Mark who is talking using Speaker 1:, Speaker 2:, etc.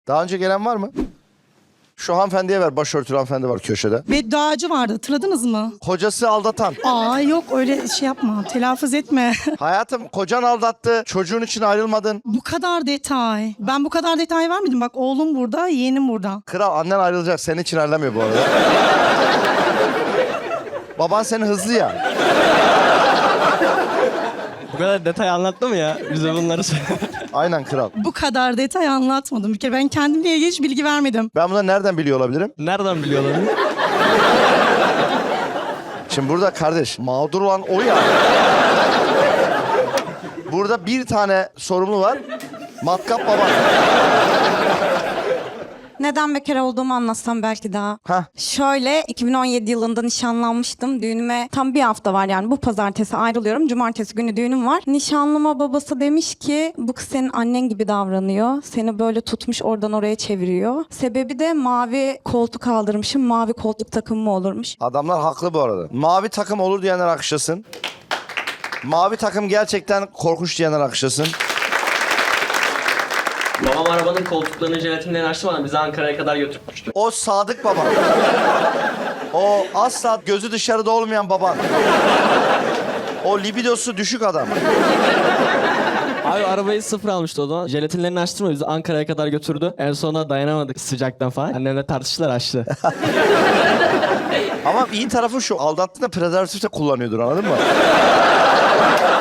Speaker 1: Daha önce gelen var mı? Şu hanımefendiye ver. Başörtülü hanımefendi var köşede.
Speaker 2: Bedduacı vardı, hatırladınız mı?
Speaker 1: Kocası aldatan.
Speaker 2: Aa yok, öyle şey yapma, telaffuz etme.
Speaker 1: Hayatım, kocan aldattı. Çocuğun için ayrılmadın.
Speaker 2: Bu kadar detay. Ben bu kadar detay vermedim. Bak, oğlum burada, yeğenim burada.
Speaker 1: Kral, annen ayrılacak. Senin için ayrılamıyor bu arada. Baban senin hızlı ya.
Speaker 3: Bu kadar detay anlattı mı ya? Bize bunları söyle.
Speaker 1: Aynen kral.
Speaker 2: Bu kadar detay anlatmadım. Bir kere ben kendimle ilgili hiç bilgi vermedim.
Speaker 1: Ben bunu nereden biliyor olabilirim?
Speaker 3: Nereden biliyorlar?
Speaker 1: Şimdi burada kardeş, mağdur olan o ya. Burada bir tane sorumlu var. Matkap baba.
Speaker 4: Neden bekar olduğumu anlatsam belki daha.
Speaker 1: Hah.
Speaker 4: Şöyle 2017 yılında nişanlanmıştım. Düğünüme tam bir hafta var yani. Bu pazartesi ayrılıyorum. Cumartesi günü düğünüm var. Nişanlıma babası demiş ki bu kız senin annen gibi davranıyor. Seni böyle tutmuş oradan oraya çeviriyor. Sebebi de mavi koltuk aldırmışım. Mavi koltuk takımı mı olurmuş?
Speaker 1: Adamlar haklı bu arada. Mavi takım olur diyenler alkışlasın. Mavi takım gerçekten korkunç diyenler alkışlasın.
Speaker 3: Babam arabanın koltuklarını jelatinle açtırmadan bizi Ankara'ya kadar götürmüştü.
Speaker 1: O sadık baban. O asla gözü dışarıda olmayan baban. O libidosu düşük adam.
Speaker 3: Abi arabayı sıfır almıştı o zaman. Jelatinlerini açtırma bizi Ankara'ya kadar götürdü. En sona dayanamadık sıcaktan falan. Annemle tartıştılar açtı.
Speaker 1: Ama iyi tarafı şu, aldattığında prezervatif de kullanıyordur, anladın mı?